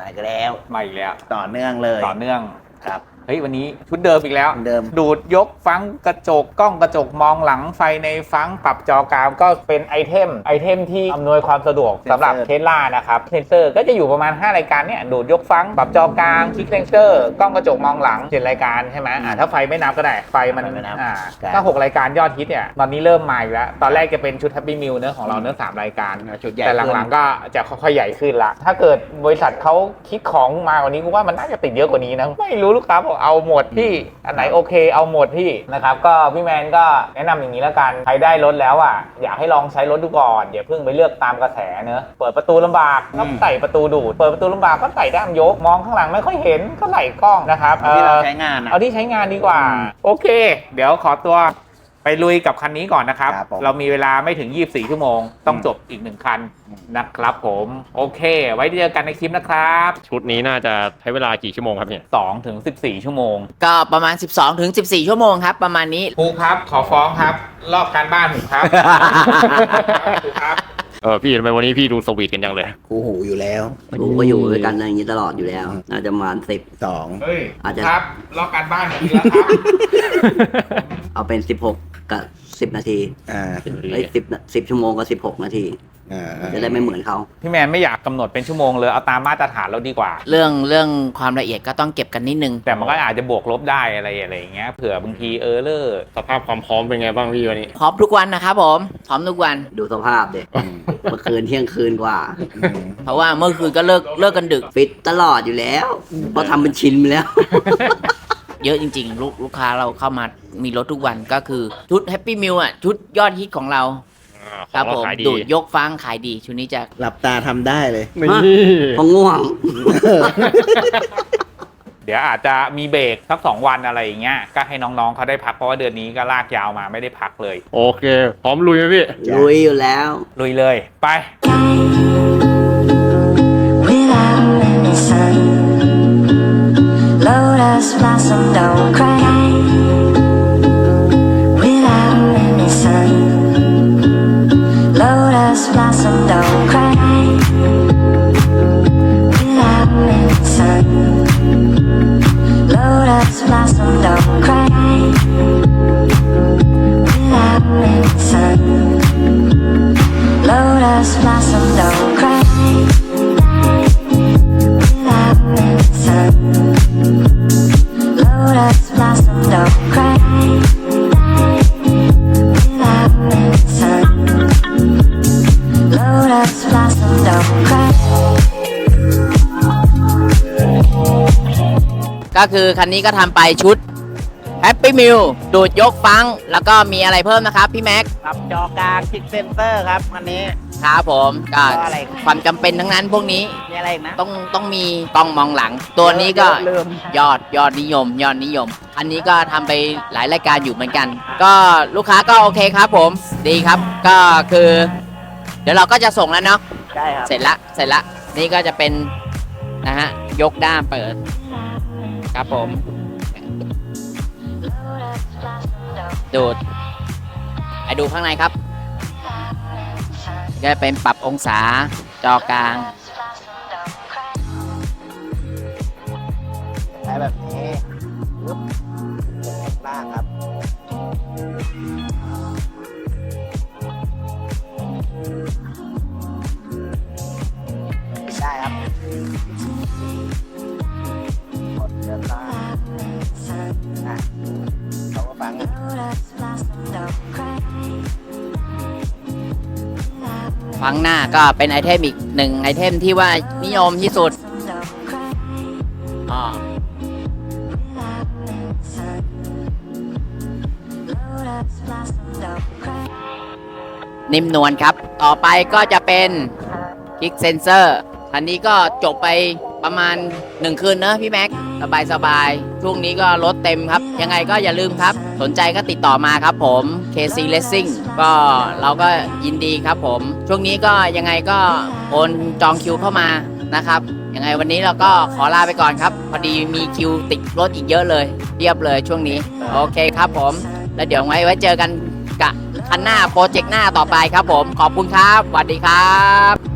มาอีกแล้วมาอีกแล้วต่อเนื่องเลยต่อเนื่องครับเฮ้ยวันนี้ชุดเดิมอีกแล้วเดิมดูดยกฟังกระจกกล้องกระจกมองหลังไฟในฟังปรับจอกรามก็เป็นไอเทมที่อำนวยความสะดวกสำหรับเทสลานะครับเซนเซอร์ก็จะอยู่ประมาณ5รายการเนี่ยดูดยกฟังปรับจอกลางคลิกเซนเซอร์กล้องกระจกมองหลัง7รายการใช่ไหมถ้าไฟไม่นับก็ได้ไฟมันก็6รายการยอดฮิตเนี่ยตอนนี้เริ่มมาอีกแล้วตอนแรกจะเป็นชุด Happy Meal เนื้อของเราเนื้อ3รายการแต่หลังๆก็จะค่อยๆใหญ่ขึ้นละถ้าเกิดบริษัทเขาคิดของมากว่านี้กูว่ามันน่าจะติดเยอะกว่านี้นะไม่รู้ลูกค้าบอกเอาหมดพี่อันไหนโอเคเอาหมดพี่นะครับก็พี่แมนก็แนะนำอย่างนี้แล้วกันใครได้รถแล้วอ่ะอยากให้ลองใช้รถดูก่อนอย่าเพิ่งไปเลือกตามกระแสเนอะเปิดประตูลำบากก็ใส่ประตูดูดเปิดประตูลำบากก็ใส่ด้ามยกมองข้างหลังไม่ค่อยเห็นก็ไหลกล้องนะครับที่เราใช้งานเอาที่ใช้งานดีกว่าโอเคเดี๋ยวขอตัวไปลุยกับคันนี้ก่อนนะครับเรามีเวลาไม่ถึง24ชั่วโมงต้องจบอีก1คันนะครับผมโอเคไว้เจอกันในคลิปนะครับชุดนี้น่าจะใช้เวลากี่ชั่วโมงครับเนี่ย 2 ถึง 14 ชั่วโมงก็ประมาณ12 ถึง 14 ชั่วโมงครับประมาณนี้ครูครับขอฟ้องครับลอกการบ้านผมครับครูครับพี่ทำไมวันนี้พี่ดูสวีทกันจังเลยคู่หูอยู่แล้วกูก็อยู่ด้วยกันอย่างนี้ตลอดอยู่แล้วน่าจะประมาณ 12 เฮ้ยอาจจะครับลอกการบ้านอย่างนี้แล้วครับเอาเป็น16กับ10นาที10ชั่วโมงกับ16นาทีจะได้ไม่เหมือนเขาพี่แมนไม่อยากกำหนดเป็นชั่วโมงเลยเอาตามมาตรฐานเราดีกว่าเรื่องความละเอียดก็ต้องเก็บกันนิดนึงแต่มันก็อาจจะบวกลบได้อะไรอย่างเงี้ยเผื่อบางทีเลอร์สภาพความพร้อมเป็นไงบ้างพี่วันนี้พร้อมทุกวันนะครับผมพร้อมทุกวันดูสภาพเด็กเมื่อคืนเที่ยงคืนกว่าเพราะว่าเมื่อคืนก็เลิกกันดึกฟิตตลอดอยู่แล้วเพราะทำเป็นชินไปแล้วเยอะจริงๆลูกค้าเราเข้ามามีรถทุกวันก็คือชุด Happy Meal อ่ะชุดยอดฮิตของเราครับผมดูดยกฟังขายดีชุดนี้จะหลับตาทำได้เลยพอง่วงเดี๋ยวอาจจะมีเบรกสัก2 วันอะไรอย่างเงี้ยก็ให้น้องๆเขาได้พักเพราะว่าเดือนนี้ก็ลากยาวมาไม่ได้พักเลยโอเคพร้อมลุยไหมพี่ลุยอยู่แล้วลุยเลยไป Lotus blossom don't cry without any sun. Lotus blossom don't cry without any sun. Lotus blossom don't cry without any sun. Lotus blossom don't cry without any sun.Lotus blossom don't cry without any sun. Lotus blossom don't cry. ก็คือคันนี้ก็ทำไปชุด Happy Meal ดูดยกฟังแล้วก็มีอะไรเพิ่มนะครับพี่แม็กปรับจอกลางคลิกเซนเซอร์ครับอันนี้ครับผมก็ความจำเป็นทั้งนั้นพวกนี้มีอะไรนะต้องมีกล้องมองหลังตัวนี้ก็ยอดนิยมอันนี้ก็ทำไปหลายรายการอยู่เหมือนกันก็ลูกค้าก็โอเคครับผมดีครับก็คือเดี๋ยวเราก็จะส่งแล้วเนาะใช่ครับเสร็จละนี่ก็จะเป็นนะฮะยกด้ามเปิดครับผมดูดไปดูข้างในครับก็เป็นปรับองศาจอกลางใช้แบบนี้ปึ๊บล่างครับได้ครับกดเดินล่างเขาก็ฟังฟังหน้าก็เป็นไอเทมอีก1ไอเทมที่ว่านิยมที่สุดนิ่มนวลครับต่อไปก็จะเป็นคลิกเซนเซอร์อันนี้ก็จบไปประมาณ1คืนนะพี่แม็กสบายช่วงนี้ก็รถเต็มครับยังไงก็อย่าลืมครับสนใจก็ติดต่อมาครับผม KC Racing ก็เราก็ยินดีครับผมช่วงนี้ก็ยังไงก็โอนจองคิวเข้ามานะครับยังไงวันนี้เราก็ขอลาไปก่อนครับพอดีมีคิวติดรถอีกเยอะเลยเรียบเลยช่วงนี้โอเคครับผมแล้วเดี๋ยวไว้เจอกันกับคันหน้าโปรเจกต์หน้าต่อไปครับผมขอบคุณครับสวัสดีครับ